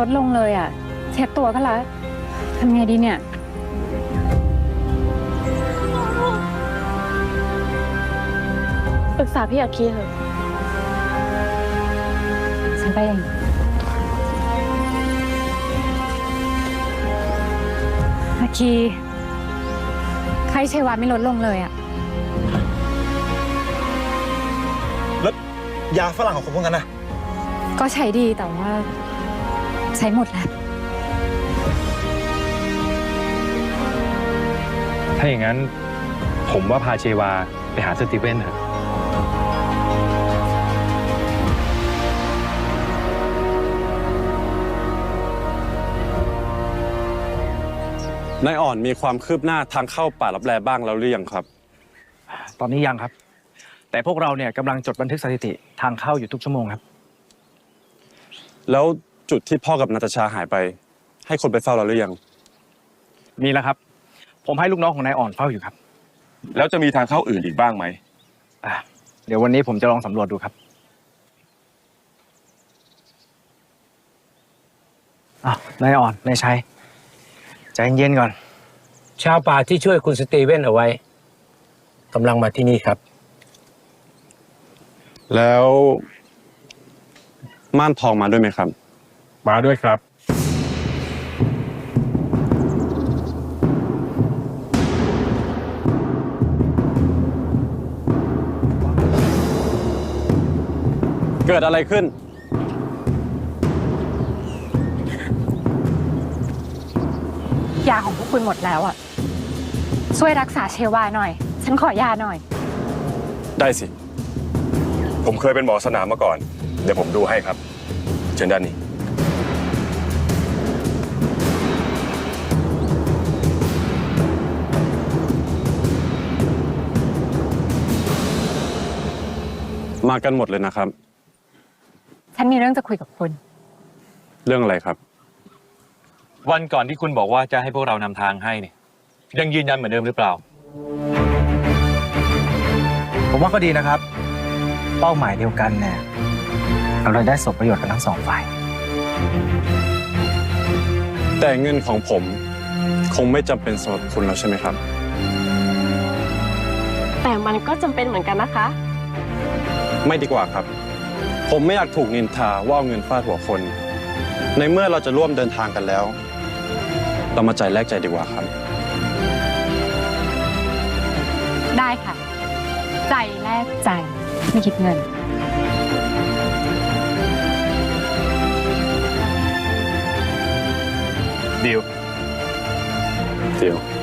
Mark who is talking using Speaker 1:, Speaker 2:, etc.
Speaker 1: ลงเลยอ่ะเช็ดตัวก็แล้วทำไงดีเนี่ย
Speaker 2: ปรึกษาพี่อาคีเถอะ
Speaker 1: ฉันไปเองอาคีไข้ชัยวาไม่ลดลงเลยอ่ะ
Speaker 3: แล้วยาฝรั่งของคุณพวกนั้นนะ
Speaker 1: ก็ใช้ดีแต่ว่าใช้หมดแล้ว
Speaker 4: ถ้าอย่างนั้นผมว่าพาเชวาไปหาสตีเวนเถอะ
Speaker 5: นายอ่อนมีความคืบหน้าทางเข้าป่าลับแลบ้างแล้วหรือยังครับ
Speaker 6: ตอนนี้ยังครับ แต่พวกเราเนี่ยกำลังจดบันทึกสถิติทางเข้าอยู่ทุกชั่วโมงครับ
Speaker 5: แล้วจุดที่พ่อกับนาตาชาหายไป ให้คนไปเฝ้าเราหรือยัง
Speaker 6: มีแล้วครับ ผมให้ลูกน้องของนายอ่อนเฝ้าอยู่ครับ
Speaker 7: แล้วจะมีทางเข้าอื่นอีกบ้างไหม
Speaker 6: เดี๋ยววันนี้ผมจะลองสำรวจดูครับนายอ่อนนายชัยใจเย็นๆก่อน
Speaker 8: ชาวป่าที่ช่วยคุณสตีเวนเอาไว้กำลังมาที่นี่ครับ
Speaker 5: แล้วม่านทองมาด้วยไหมครับ
Speaker 4: มาด้วยครับ
Speaker 5: เกิดอะไรขึ้น
Speaker 1: ยาของพวกคุณหมดแล้วอ่ะช่วยรักษาเชวาหน่อยฉันขอยาหน่อย
Speaker 5: ได้สิ
Speaker 7: ผมเคยเป็นหมอสนามมาก่อน เดี๋ยวผมดูให้ครับ เชิญด้านนี้
Speaker 5: มากันหมดเลยนะครับ
Speaker 1: ฉันมีเรื่องจะคุยกับคุณ
Speaker 5: เรื่องอะไรครับ
Speaker 4: วันก่อนที่คุณบอกว่าจะให้พวกเรานำทางให้เนี่ยยังยืนยันเหมือนเดิมหรือเปล่า
Speaker 6: ผมว่าก็ดีนะครับ เป้าหมายเดียวกันเนี่ยเราได้สมประโยชน์กันทั้งสองฝ่าย
Speaker 5: แต่เงินของผมคงไม่จำเป็นสำหรับคุณแล้วใช่ไหมครับ
Speaker 2: แต่มันก็จำเป็นเหมือนกันนะคะ
Speaker 5: ไม่ดีกว่าครับ ผมไม่อยากถูกนินทาว่าเอาเงินฟาดหัวคน ในเมื่อเราจะร่วมเดินทางกันแล้ว เรามาใจแลกใจดีกว่าครับ
Speaker 1: ได้ค่ะใจแลกใจไม่คิดเงิน
Speaker 4: ดีล
Speaker 5: เดี๋ยว